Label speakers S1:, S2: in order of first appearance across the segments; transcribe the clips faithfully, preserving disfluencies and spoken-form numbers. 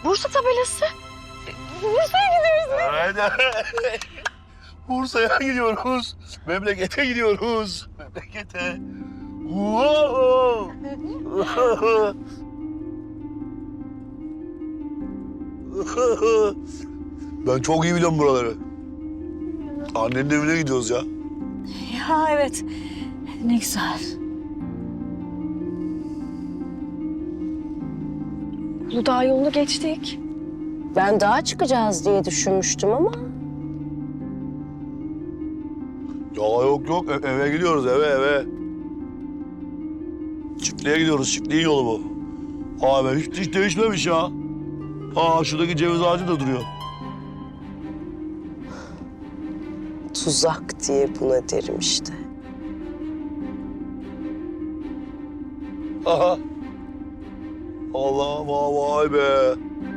S1: Bursa tabelası. Bursa'ya gidiyoruz.
S2: Aynen. Bursa'ya gidiyoruz. Memlekete gidiyoruz. Memlekete. Wow. Ben çok iyi biliyorum buraları. Annenin evine gidiyoruz ya.
S1: Ya evet. Ne güzel. Uludağ yolunu geçtik.
S3: Ben dağa çıkacağız diye düşünmüştüm ama...
S2: Ya yok yok E- eve gidiyoruz eve eve. Çiftliğe gidiyoruz. Çiftliğin yolu bu. Abi hiç, hiç değişmemiş ya. Aa şuradaki ceviz ağacı da duruyor.
S3: Tuzak diye buna derim işte.
S2: Aha. Allah vay, vay be.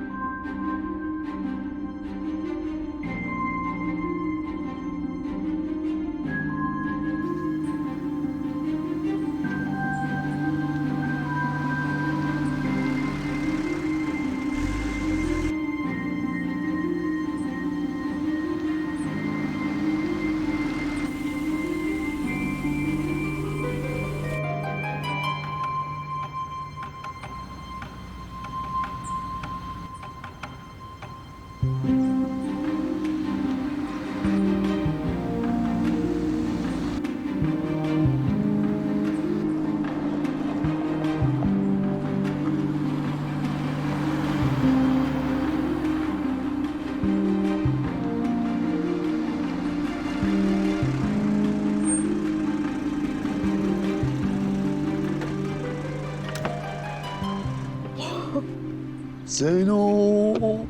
S2: Zeyno.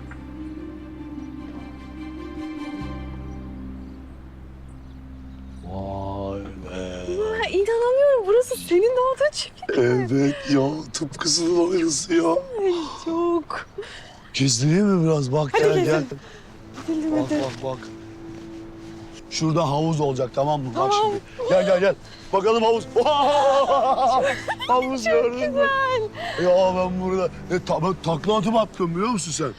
S2: Vay be.
S1: Ya, inanamıyorum. Burası senin doğduğun çiftlik.
S2: Evet ya tıpkısının aynısı ya.
S1: Ay çok.
S2: Gezdireyim mi biraz? Bak
S1: Hadi
S2: gel
S1: gezin.
S2: gel.
S1: Gidelim
S2: Bak
S1: hadi.
S2: bak bak. Şurada havuz olacak tamam mı? Bak
S1: Tamam.
S2: şimdi. Gel gel gel. Bakalım havuz. Havuz gördün mü? Ya ben burada e, ta, ben takla atıp attım biliyor musun sen?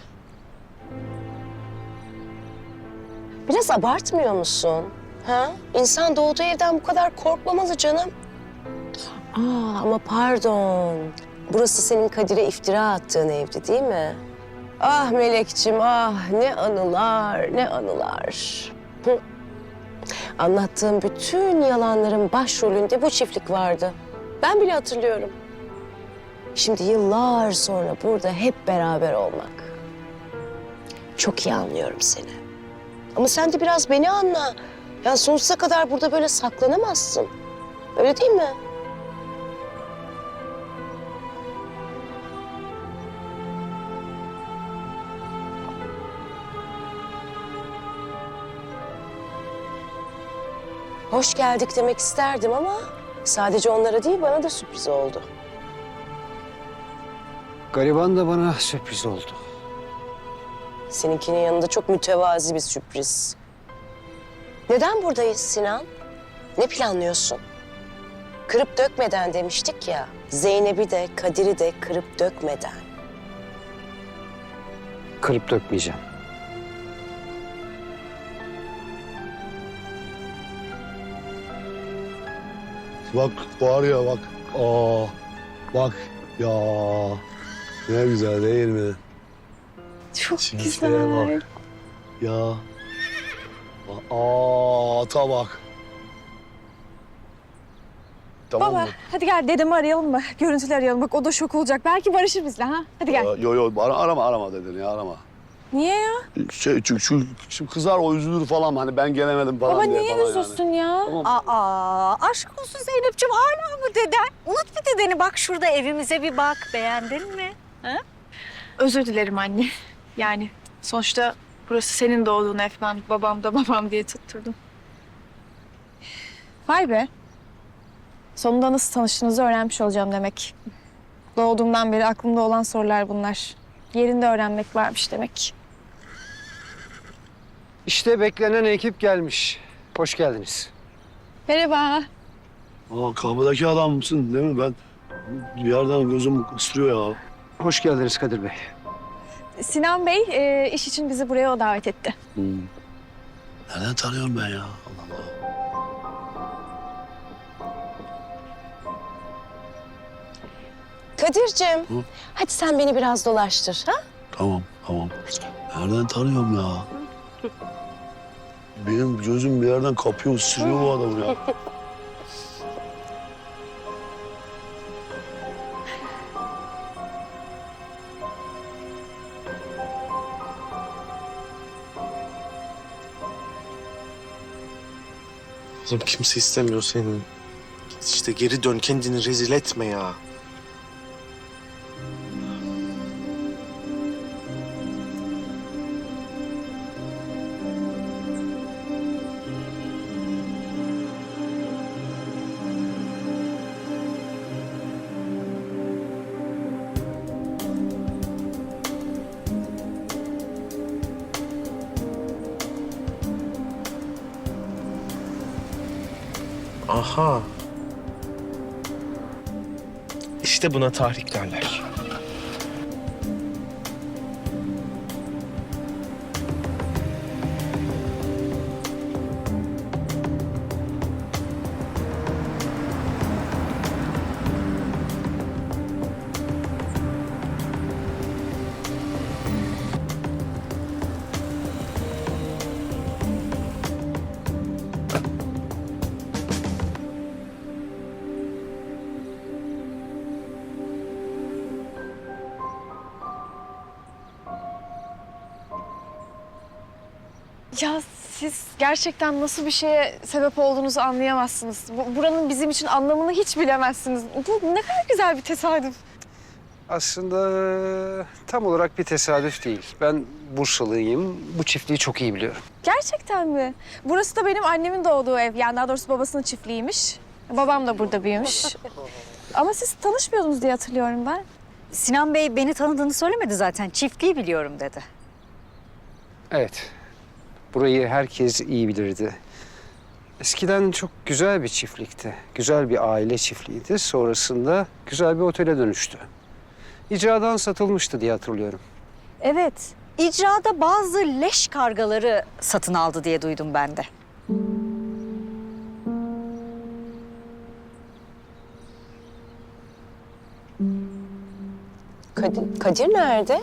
S3: Biraz abartmıyor musun? Ha? İnsan doğduğu evden bu kadar korkmamalı canım. Aa, ama pardon. Burası senin Kadir'e iftira attığın evdi değil mi? Ah Melekçim ah ne anılar ne anılar. Hı. Anlattığım bütün yalanların başrolünde bu çiftlik vardı. Ben bile hatırlıyorum. Şimdi yıllar sonra burada hep beraber olmak. Çok iyi anlıyorum seni. Ama sen de biraz beni anla. Ya sonsuza kadar burada böyle saklanamazsın. Öyle değil mi? Hoş geldik demek isterdim ama sadece onlara değil bana da sürpriz oldu.
S4: Gariban da bana sürpriz oldu.
S3: Seninkinin yanında çok mütevazi bir sürpriz. Neden buradayız Sinan? Ne planlıyorsun? Kırıp dökmeden demiştik ya. Zeynep'i de Kadir'i de kırıp dökmeden.
S4: Kırıp dökmeyeceğim.
S2: Bak var ya bak. Aa bak ya. Ne güzel değil mi?
S1: Çok
S2: Çiftliğe
S1: güzel.
S2: bak. Ya. Aa ata bak. Tamam
S1: Baba
S2: mı?
S1: hadi gel dedemi arayalım mı? Görüntüleri arayalım. Bak o da şok olacak. Belki barışır bizle ha. Hadi gel.
S2: Aa, Yo yo ara, arama arama dedin ya arama.
S1: Niye ya?
S2: Şey çünkü şu, şu kızar o üzülür falan hani ben gelemedim falan
S1: Baba
S2: diye
S1: niye
S2: falan
S1: üzülsün
S2: yani.
S1: ya?
S2: Tamam.
S1: Aa, aşk olsun Zeynep'ciğim. Hala mı deden? Unut bir dedeni. Bak şurada evimize bir bak. Beğendin mi? Ha?
S5: Özür dilerim anne. Yani sonuçta burası senin doğduğun ev. Ben babam da babam diye tutturdum.
S1: Vay be. Sonunda nasıl tanıştığınızı öğrenmiş olacağım demek. Doğduğumdan beri aklımda olan sorular bunlar. Yerinde öğrenmek varmış demek.
S4: İşte beklenen ekip gelmiş. Hoş geldiniz.
S1: Merhaba.
S2: Aa kapıdaki adam mısın değil mi? Ben bir yerden gözüm ısırıyor ya.
S4: Hoş geldiniz Kadir Bey.
S1: Sinan Bey e, iş için bizi buraya o davet etti.
S2: Hmm. Nereden tanıyorum ben ya? Allah Allah.
S3: Kadir'cim,
S2: Hı?
S3: hadi sen beni biraz dolaştır. Ha?
S2: Tamam, tamam. Nereden tanıyorum ya? Benim gözüm bir yerden kapıyor, ısırıyor bu adamı ya.
S6: Oğlum kimse istemiyor seni. Git işte geri dön, kendini rezil etme ya. Aha. İşte buna tahrik derler.
S1: Ya siz gerçekten nasıl bir şeye sebep olduğunuzu anlayamazsınız. Bu, buranın bizim için anlamını hiç bilemezsiniz. Bu ne kadar güzel bir tesadüf.
S4: Aslında tam olarak bir tesadüf değil. Ben Bursalıyım. Bu çiftliği çok iyi biliyorum.
S1: Gerçekten mi? Burası da benim annemin doğduğu ev. Yani daha doğrusu babasının çiftliğiymiş. Babam da burada büyümüş. Ama siz tanışmıyordunuz diye hatırlıyorum ben.
S7: Sinan Bey beni tanıdığını söylemedi zaten. Çiftliği biliyorum dedi.
S4: Evet. Burayı herkes iyi bilirdi. Eskiden çok güzel bir çiftlikti. Güzel bir aile çiftliğiydi. Sonrasında güzel bir otele dönüştü. İcradan satılmıştı diye hatırlıyorum.
S7: Evet. İcrada bazı leş kargaları satın aldı diye duydum ben de.
S3: Kadir, Kadir nerede?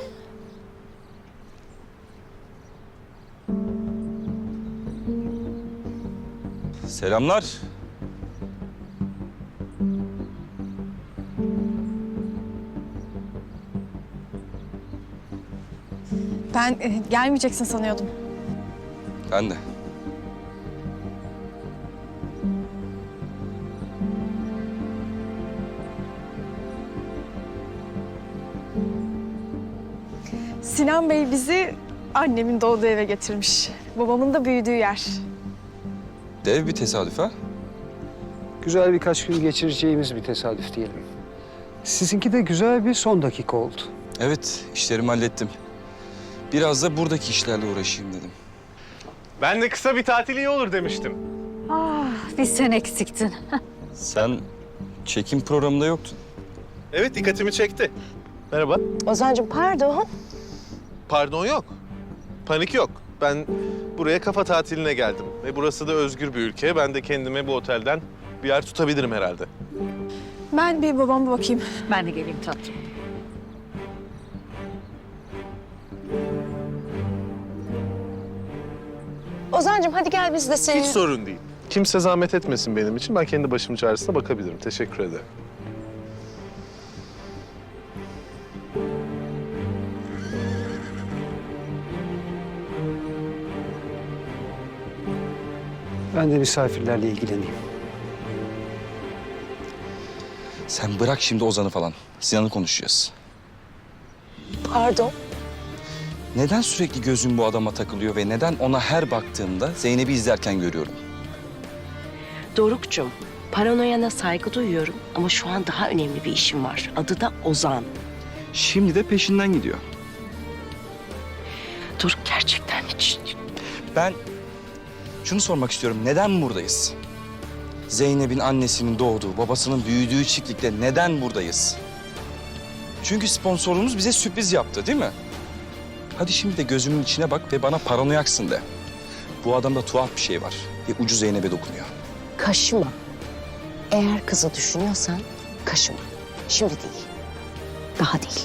S8: Selamlar.
S1: Ben e, gelmeyeceksin sanıyordum.
S8: Ben de.
S1: Sinan Bey bizi annemin doğduğu eve getirmiş. Babamın da büyüdüğü yer.
S8: Dev bir tesadüf ha?
S4: Güzel birkaç gün geçireceğimiz bir tesadüf diyelim. Sizinki de güzel bir son dakika oldu.
S8: Evet, işlerimi hallettim. Biraz da buradaki işlerle uğraşayım dedim.
S6: Ben de kısa bir tatil iyi olur demiştim.
S7: Ah, bir sen eksiktin.
S8: Sen çekim programında yoktun.
S6: Evet, dikkatimi çekti. Merhaba.
S3: Ozan'cığım pardon.
S6: Pardon yok. Panik yok. Ben buraya kafa tatiline geldim. Ve burası da özgür bir ülke. Ben de kendime bu otelden bir yer tutabilirim herhalde.
S1: Ben bir babama bakayım.
S7: Ben de geleyim tatlım.
S3: Ozan'cığım hadi gel biz de seni...
S6: Hiç sorun değil. Kimse zahmet etmesin benim için. Ben kendi başımın çaresine bakabilirim. Teşekkür ederim.
S4: Ben de misafirlerle ilgileneyim.
S8: Sen bırak şimdi Ozan'ı falan. Sinan'ı konuşacağız.
S3: Pardon.
S8: Neden sürekli gözün bu adama takılıyor ve neden ona her baktığımda Zeynep'i izlerken görüyorum?
S9: Doruk'cum, paranoyana saygı duyuyorum ama şu an daha önemli bir işim var. Adı da Ozan.
S8: Şimdi de peşinden gidiyor.
S9: Doruk gerçekten hiç...
S8: Ben şunu sormak istiyorum. Neden buradayız? Zeynep'in annesinin doğduğu, babasının büyüdüğü çiftlikte neden buradayız? Çünkü sponsorumuz bize sürpriz yaptı, değil mi? Hadi şimdi de gözümün içine bak ve bana paranoyaksın de. Bu adamda tuhaf bir şey var ve ucu Zeynep'e dokunuyor.
S3: Kaşıma. Eğer kızı düşünüyorsan kaşıma. Şimdi değil. Daha değil.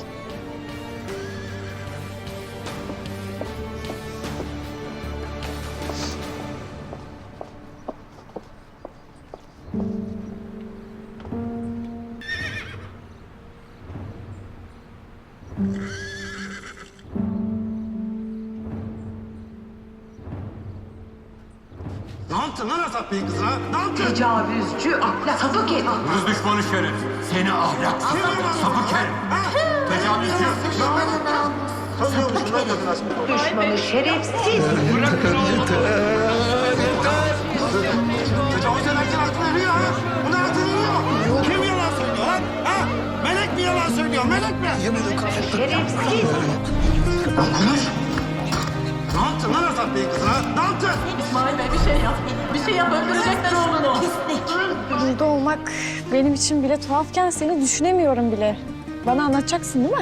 S10: Ne yaptın lan Asaf Bey'in kızına? Ne yaptın?
S11: Tecavüzcü, ahlak, sapık herif.
S10: Hırs düşmanı şerif. Seni ahlaksız, sapık herif. Tecavüzcü. Tanıyormuşsun lan kadın aşkına.
S11: Düşmanı, şerefsiz.
S10: Tecavüz ederken aklına eriyor ha? Bu ne aklına eriyor? Kim yalan söylüyor lan? Ha? Melek mi yalan söylüyor? Melek mi?
S11: Şerefsiz.
S10: Konuş. Ne yaptın lan Asaf Bey'in kızına? Ne yaptın?
S11: İsmail Bey bir şey yap. Bir şey yap, öldürecekler oğlunu.
S1: Burada olmak benim için bile tuhafken seni düşünemiyorum bile. Bana anlatacaksın değil mi?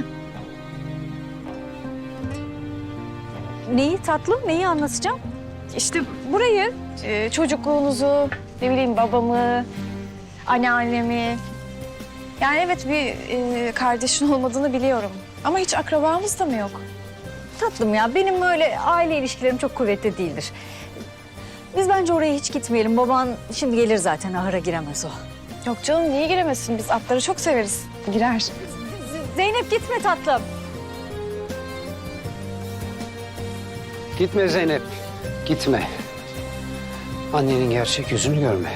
S7: Neyi tatlım, neyi anlatacağım?
S1: İşte burayı, e, çocukluğunuzu, ne bileyim babamı, anneannemi. Yani evet bir e, kardeşin olmadığını biliyorum. Ama hiç akrabamız da mı yok?
S7: Tatlım ya, benim öyle aile ilişkilerim çok kuvvetli değildir. Biz bence oraya hiç gitmeyelim. Baban şimdi gelir zaten, ahıra giremez o.
S1: Yok canım niye giremesin? Biz atları çok severiz. Girer.
S7: Z- Zeynep gitme tatlım.
S4: Gitme Zeynep, gitme. Annenin gerçek yüzünü görme.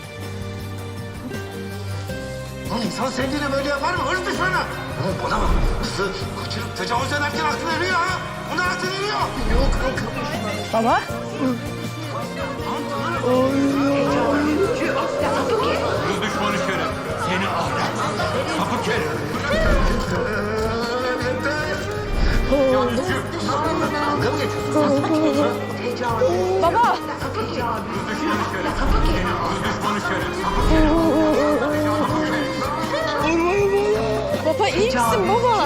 S10: Lan insan sevdiğine böyle yapar mı? Hırs düşmanı. Oğlum bana bak. Kızı kaçırıp tecavüz ederken aklına eriyor ha? Bu ne aklına eriyor? Yok yok.
S1: Baba.
S10: Hırs düşmanı şerif. Seni ahlaksız, sapık herif. Tecavüzcü. Dalga mı geçiyorsun?
S1: Baba.
S10: Hırs düşmanı şerif. Sapık herif.
S1: Baba iyi misin baba?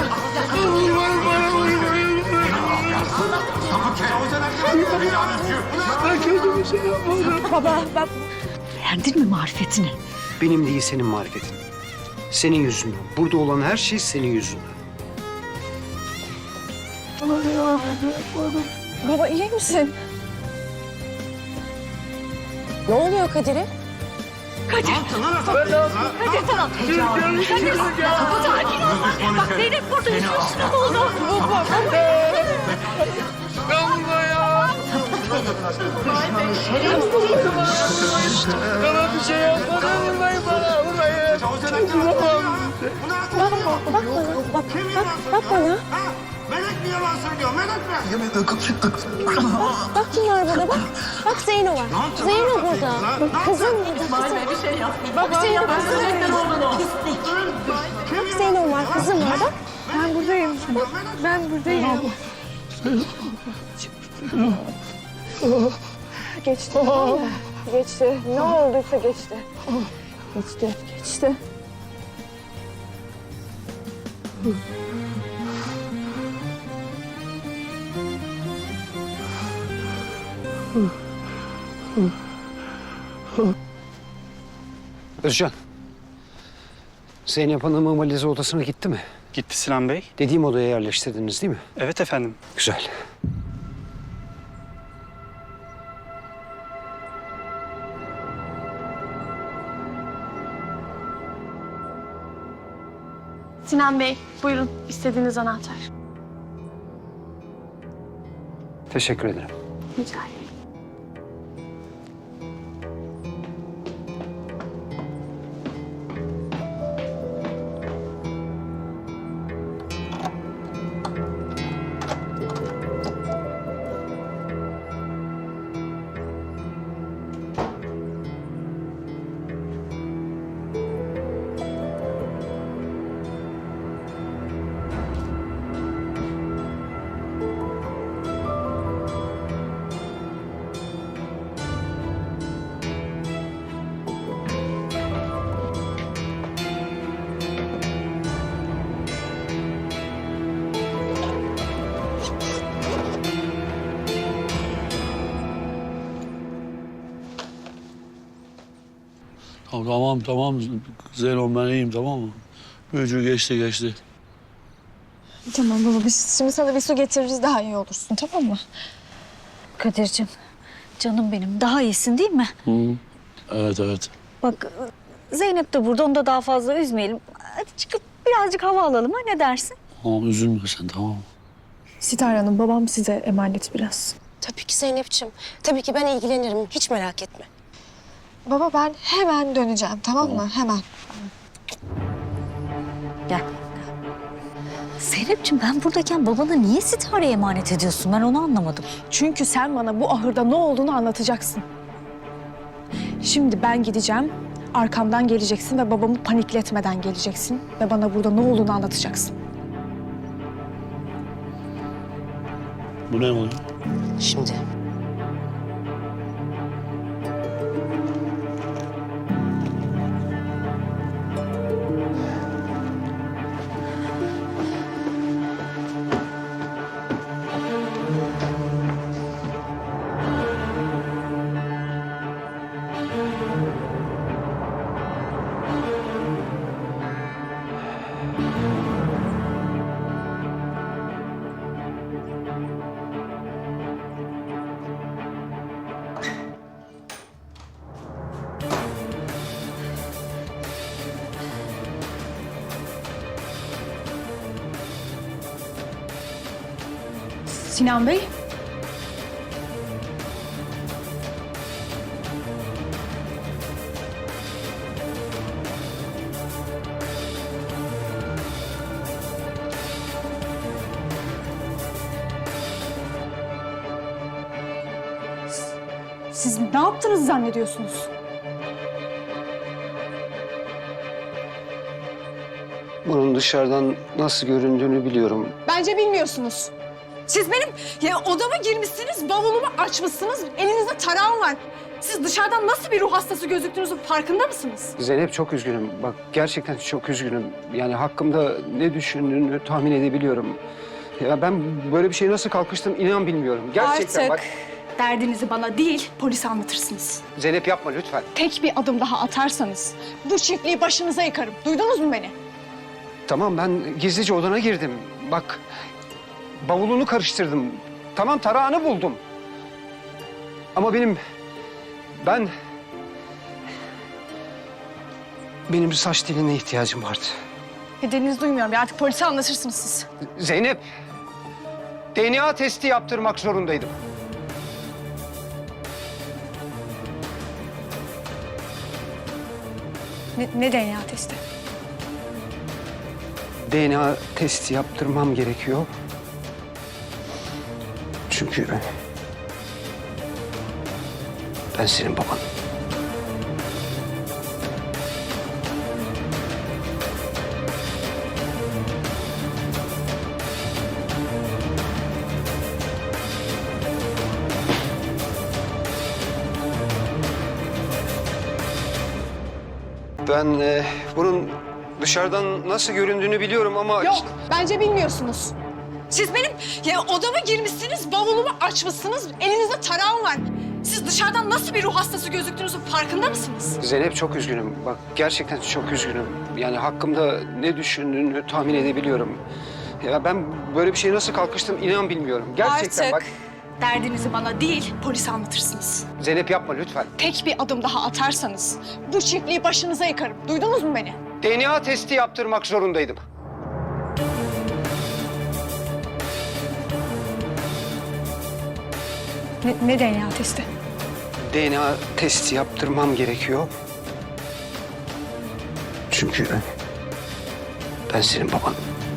S10: Sapık herif. Tecavüzcü.
S4: Ben kötü bir şey yapmadım.
S1: Baba ben...
S7: Beğendin mi marifetini?
S4: Benim değil senin marifetin. Senin yüzünden. Burada olan her şey senin yüzünden.
S1: Baba iyi misin?
S3: Ne oluyor Kadir'e?
S10: Ne yaptın lan Asaf Bey'in kızına?
S7: Kadir tamam. Kadir kapı sakin ol. Bak Zeynep burada yüzüstü ne oldu? Baba.
S11: Düşmanı, şerefsiz.
S10: Tecavüz ederken aklına eriyor ha? Bu ne aklına eriyor?
S1: Bak bana, bak,
S10: Kim
S1: bak,
S10: yalan
S1: bak
S10: söylüyor?
S1: bana.
S10: Ha? Melek mi yalan söylüyor? Melek mi?
S3: Bak kim var burada bak. Bak Zeyno var.
S10: Ne yaptın
S3: Zeyno
S10: lan Asaf Bey'in
S3: burada.
S10: kızına? Ne
S3: Kızım
S10: yaptın?
S3: burada.
S11: İsmail Bey bir şey yap.
S3: Bak Zeyno,
S11: Öldürecekler oğlunu.
S3: Bak Zeyno var. Kızım var bak.
S1: Ben buradayım. Ben buradayım. Geçti. tamam mı? Geçti. Ne olduysa geçti. Geçti. Geçti.
S4: Özcan. Zeynep Hanım'ın valizi odasına gitti mi?
S12: Gitti Sinan Bey.
S4: Dediğim odaya yerleştirdiniz değil mi?
S12: Evet efendim.
S4: Güzel.
S5: Sinan Bey, buyurun istediğiniz anahtar.
S4: Teşekkür ederim.
S5: Rica ederim.
S2: Tamam tamam Zeyno ben iyiyim tamam mı? Büyücü geçti geçti.
S1: Tamam baba biz şimdi sana bir su getiririz daha iyi olursun tamam mı?
S7: Kadir'cim, canım benim. Daha iyisin değil mi?
S2: Hı. Evet evet.
S7: Bak Zeynep de burada, onu da daha fazla üzmeyelim. Hadi çıkıp birazcık hava alalım ha, ne dersin?
S2: Tamam üzülme sen tamam mı?
S1: Sitar Hanım babam size emanet biraz.
S3: Tabii ki Zeynep'ciğim. Tabii ki ben ilgilenirim. Hiç merak etme.
S1: Baba ben hemen döneceğim tamam mı? Hemen.
S7: Gel. Zeynep'ciğim ben buradayken babana niye Sitara'ya emanet ediyorsun? Ben onu anlamadım.
S1: Çünkü sen bana bu ahırda ne olduğunu anlatacaksın. Şimdi ben gideceğim. Arkamdan geleceksin ve babamı panikletmeden geleceksin. Ve bana burada ne olduğunu anlatacaksın.
S2: Bu ne oluyor?
S3: Şimdi.
S1: Sinan Bey. Siz ne yaptınız zannediyorsunuz?
S4: Bunun dışarıdan nasıl göründüğünü biliyorum.
S1: Bence bilmiyorsunuz. Siz benim ya odama girmişsiniz, bavulumu açmışsınız, elinizde tarağım var. Siz dışarıdan nasıl bir ruh hastası gözüktüğünüzün farkında mısınız?
S4: Zeynep çok üzgünüm. Bak gerçekten çok üzgünüm. Yani hakkımda ne düşündüğünü tahmin edebiliyorum. Ya ben böyle bir şeye nasıl kalkıştım inan bilmiyorum. Gerçekten
S1: Artık
S4: bak.
S1: derdinizi bana değil, polise anlatırsınız.
S4: Zeynep yapma lütfen.
S1: Tek bir adım daha atarsanız bu çiftliği başınıza yıkarım. Duydunuz mu beni?
S4: Tamam ben gizlice odana girdim. Bak bavulunu karıştırdım. Tamam tarağını buldum. Ama benim... Ben... Benim bir saç teline ihtiyacım vardı.
S1: Dediğinizi duymuyorum ya, artık polise anlatırsınız siz.
S4: Zeynep, D N A testi yaptırmak zorundaydım.
S1: Ne, ne D N A testi?
S4: D N A testi yaptırmam gerekiyor. Çünkü ben senin baban. Ben e, bunun dışarıdan nasıl göründüğünü biliyorum ama...
S1: Yok, bence bilmiyorsunuz. Siz benim ya odama girmişsiniz, bavulumu açmışsınız, elinizde tarağım var. Siz dışarıdan nasıl bir ruh hastası gözüktüğünüzün farkında mısınız?
S4: Zeynep çok üzgünüm. Bak gerçekten çok üzgünüm. Yani hakkımda ne düşündüğünü tahmin edebiliyorum. Ya ben böyle bir şeye nasıl kalkıştım inan bilmiyorum. Gerçekten
S1: Artık
S4: bak.
S1: derdinizi bana değil, polise anlatırsınız.
S4: Zeynep yapma lütfen.
S1: Tek bir adım daha atarsanız bu çiftliği başınıza yıkarım. Duydunuz mu beni?
S4: D N A testi yaptırmak zorundaydım.
S1: Ne, ne D N A testi?
S4: D N A testi yaptırmam gerekiyor. Çünkü ben senin baban.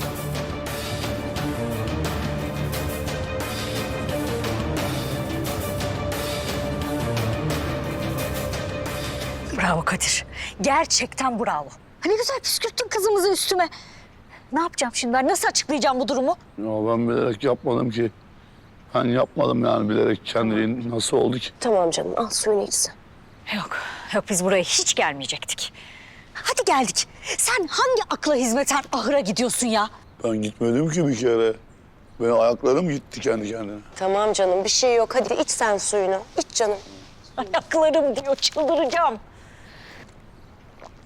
S7: Bravo Kadir. Gerçekten bravo. Hani güzel püskürttün kızımızı üstüme. Ne yapacağım şimdi ben? Nasıl açıklayacağım bu durumu?
S2: Ya ben bilerek yapmadım ki. Ben yapmadım yani bilerek kendiliğin nasıl oldu ki?
S3: Tamam canım, al suyunu içsin.
S7: Yok, yok biz buraya hiç gelmeyecektik. Hadi geldik. Sen hangi akla hizmeten ahıra gidiyorsun ya?
S2: Ben gitmedim ki bir kere. Benim ayaklarım gitti kendi kendine.
S3: Tamam canım, bir şey yok. Hadi iç sen suyunu. İç canım.
S7: Ayaklarım diyor, çıldıracağım.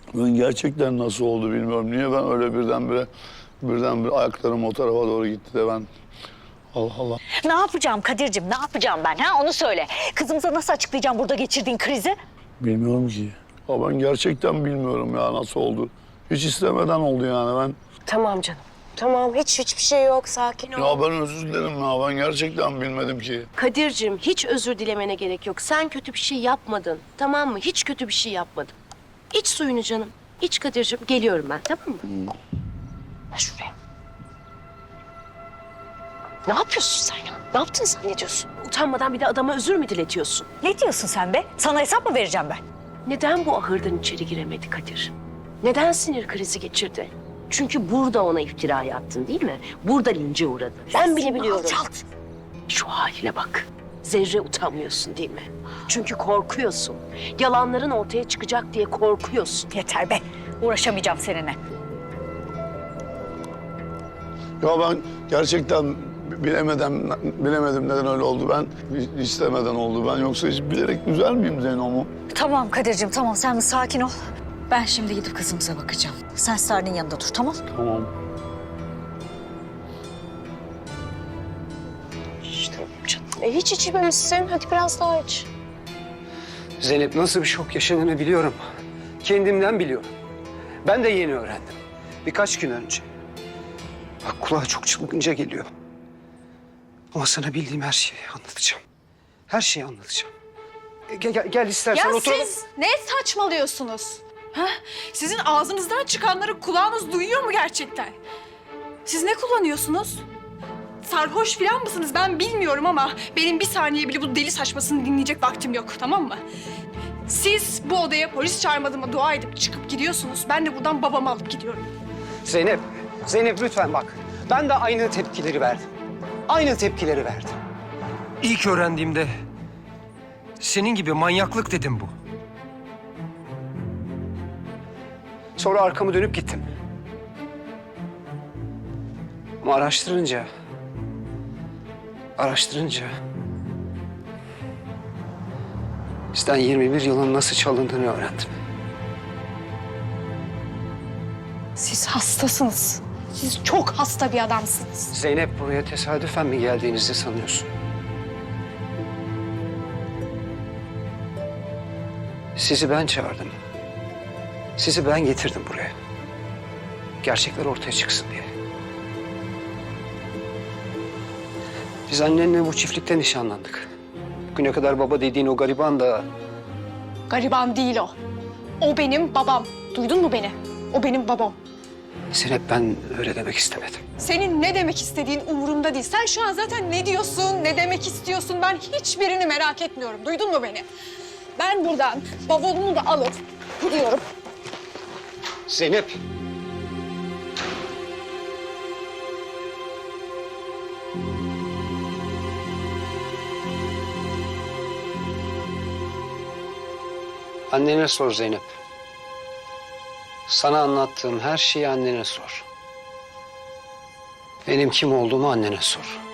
S2: Ben gerçekten nasıl oldu bilmiyorum. Niye ben öyle birdenbire birdenbire ayaklarım o tarafa doğru gitti de ben... Allah Allah.
S7: Ne yapacağım Kadir'cim, ne yapacağım ben ha? Onu söyle. Kızımıza nasıl açıklayacağım burada geçirdiğin krizi?
S2: Bilmiyorum ki. Ya ben gerçekten bilmiyorum ya nasıl oldu. Hiç istemeden oldu yani ben.
S3: Tamam canım. Tamam, hiç hiçbir şey yok. Sakin ol.
S2: Ya ben özür dilerim ya. Ben gerçekten bilmedim ki.
S9: Kadir'cim hiç özür dilemene gerek yok. Sen kötü bir şey yapmadın. Tamam mı? Hiç kötü bir şey yapmadın. İç suyunu canım. İç Kadir'cim. Geliyorum ben, tamam mı? Ver şuraya. Ne yapıyorsun sen ya? Ne yaptın sen, ne diyorsun? Utanmadan bir de adama özür mü diletiyorsun?
S7: Ne diyorsun sen be? Sana hesap mı vereceğim ben?
S9: Neden bu ahırdan içeri giremedi Kadir? Neden sinir krizi geçirdi? Çünkü burada ona iftira attın değil mi? Burada lince uğradı. Ben bile biliyorum.
S7: Alçalt.
S9: Şu haline bak. Zerre utanmıyorsun değil mi? Çünkü korkuyorsun. Yalanların ortaya çıkacak diye korkuyorsun.
S7: Yeter be. Uğraşamayacağım seninle.
S2: Ya ben gerçekten bilemedim, bilemedim neden öyle oldu. Ben istemeden oldu. Ben yoksa hiç bilerek üzer miyim Zeyno'mu?
S7: Tamam Kadir'cim, tamam. Sen bir sakin ol. Ben şimdi gidip kızımıza bakacağım. Sen Sarı'nın yanında dur, tamam?
S2: Tamam.
S3: İşte canım. E, hiç içmemişsin. Hadi biraz daha iç.
S4: Zeynep nasıl bir şok yaşadığını biliyorum. Kendimden biliyorum. Ben de yeni öğrendim. Birkaç gün önce. Bak kulağa çok çılgınca geliyor. Ama sana bildiğim her şeyi anlatacağım. Her şeyi anlatacağım. E, Gel, gel, gel istersen
S5: Ya
S4: oturalım.
S5: siz ne saçmalıyorsunuz? Ha? Sizin ağzınızdan çıkanları kulağınız duyuyor mu gerçekten? Siz ne kullanıyorsunuz? Sarhoş falan mısınız ben bilmiyorum ama benim bir saniye bile bu deli saçmasını dinleyecek vaktim yok, tamam mı? Siz bu odaya polis çağırmadığıma dua edip çıkıp gidiyorsunuz. Ben de buradan babamı alıp gidiyorum.
S4: Zeynep, Zeynep lütfen bak. Ben de aynı tepkileri verdim. Aynı tepkileri verdim.
S12: İlk öğrendiğimde senin gibi manyaklık dedim bu.
S4: Sonra arkamı dönüp gittim. Ama araştırınca... Araştırınca... Bizden yirmi bir yılın nasıl çalındığını öğrendim.
S5: Siz hastasınız. Siz çok hasta bir adamsınız.
S4: Zeynep buraya tesadüfen mi geldiğinizi sanıyorsun? Sizi ben çağırdım. Sizi ben getirdim buraya. Gerçekler ortaya çıksın diye. Biz annenle bu çiftlikte nişanlandık. Bugüne kadar baba dediğin o gariban da...
S5: Gariban değil o. O benim babam. Duydun mu beni? O benim babam.
S4: Zeynep ben öyle demek istemedim.
S5: Senin ne demek istediğin umurumda değil. Sen şu an zaten ne diyorsun, ne demek istiyorsun ben hiçbirini merak etmiyorum. Duydun mu beni? Ben buradan bavulumu da alıp gidiyorum.
S4: Zeynep. Annene sor Zeynep. Sana anlattığım her şeyi annene sor. Benim kim olduğumu annene sor.